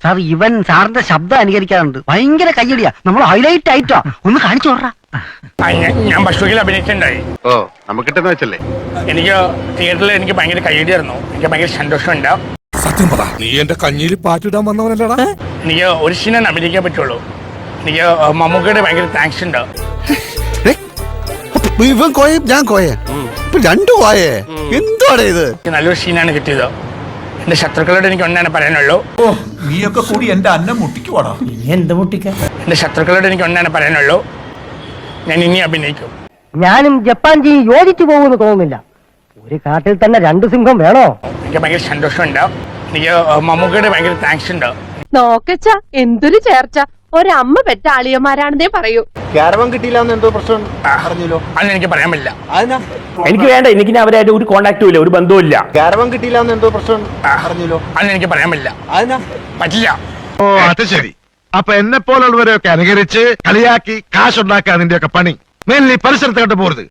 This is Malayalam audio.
സാർ ഇവൻ സാറിന്റെ ശബ്ദം അനുകരിക്കാറുണ്ട്. ഭയങ്കര കയ്യടിയാ. നമ്മൾ ഹൈലൈറ്റ് ആയിട്ടോ ഒന്ന് കാണിച്ചു വിടറാ. ഞാൻ പശുവിൽ അഭിനയിച്ചിട്ടുണ്ടായി. ഓ നമുക്കിട്ടെന്ന് വെച്ചല്ലേ. എനിക്ക് തിയേറ്ററിൽ എനിക്ക് ഭയങ്കര കയ്യടിയായിരുന്നു. എനിക്ക് ഭയങ്കര സന്തോഷമുണ്ട്. സത്യം പറ, നീ എന്റെ കഞ്ഞിയിൽ പാറ്റിടാൻ വന്നവനല്ലടാ. എനിക്ക് ഒരു സീനാണ് അഭിനയിക്കാൻ പറ്റുള്ളൂ. എനിക്ക് മമ്മൂക്കയുടെ ഭയങ്കര താങ്ക്സ് ഉണ്ട്. ഇവൻ കോയ, ഞാൻ കോയ, രണ്ടു കോയേ. എന്താണ് ഇത്? നല്ലൊരു സീനാണ് കിട്ടിയത്. എന്റെ ശത്രുക്കളോട് എനിക്ക് ഒന്നാണ് പറയാനുള്ളൂ. നീയൊക്കെ കൂടി എന്റെ അന്നം മുട്ടിക്കുവാടാ. എന്ത് മുട്ടിക്ക? എന്റെ ശത്രുക്കളോട് എനിക്ക് ഒന്നാണ് പറയാനുള്ളൂ. ഞാൻ ഇനി അഭിനയിക്കും. ഞാനും ജപ്പാൻ ജി യോജിച്ചു പോകുമെന്ന് തോന്നുന്നില്ല. ഒരു കാട്ടിൽ തന്നെ രണ്ട് സിംഹം വേണോ? എനിക്ക് ഭയങ്കര സന്തോഷമുണ്ട്. എനിക്ക് മമ്മൂക്കയുടെ ഭയങ്കര താങ്ക്സ് ഉണ്ട്. നോക്കച്ച എന്തൊരു ചേർച്ച. ഒരമ്മ പെറ്റ ആളിയന്മാരാണെന്നേ പറയൂ. ക്യാരവൻ കിട്ടിയില്ല എന്തോ പ്രശ്നം പറഞ്ഞല്ലോ. അതൊന്നും എനിക്ക് പറയാൻ പറ്റില്ല. എനിക്ക് വേണ്ട, എനിക്ക് അവരായിട്ട് ഒരു കോണ്ടാക്റ്റും ഇല്ല, ഒരു ബന്ധവും ഇല്ല. ക്യാരവൻ കിട്ടിയില്ല എന്തോ പ്രശ്നം പറഞ്ഞല്ലോ. അതൊന്നും എനിക്ക് പറയാൻ പറ്റില്ല. പറ്റില്ല. ഓ അത് ശരി. അപ്പൊ എന്നെ പോലുള്ളവരെയൊക്കെ അനുകരിച്ച് കളിയാക്കി കാശുണ്ടാക്കാൻ നിന്റെയൊക്കെ പണി. മേലിൽ പരിസരത്തോട്ട് പോരുത്.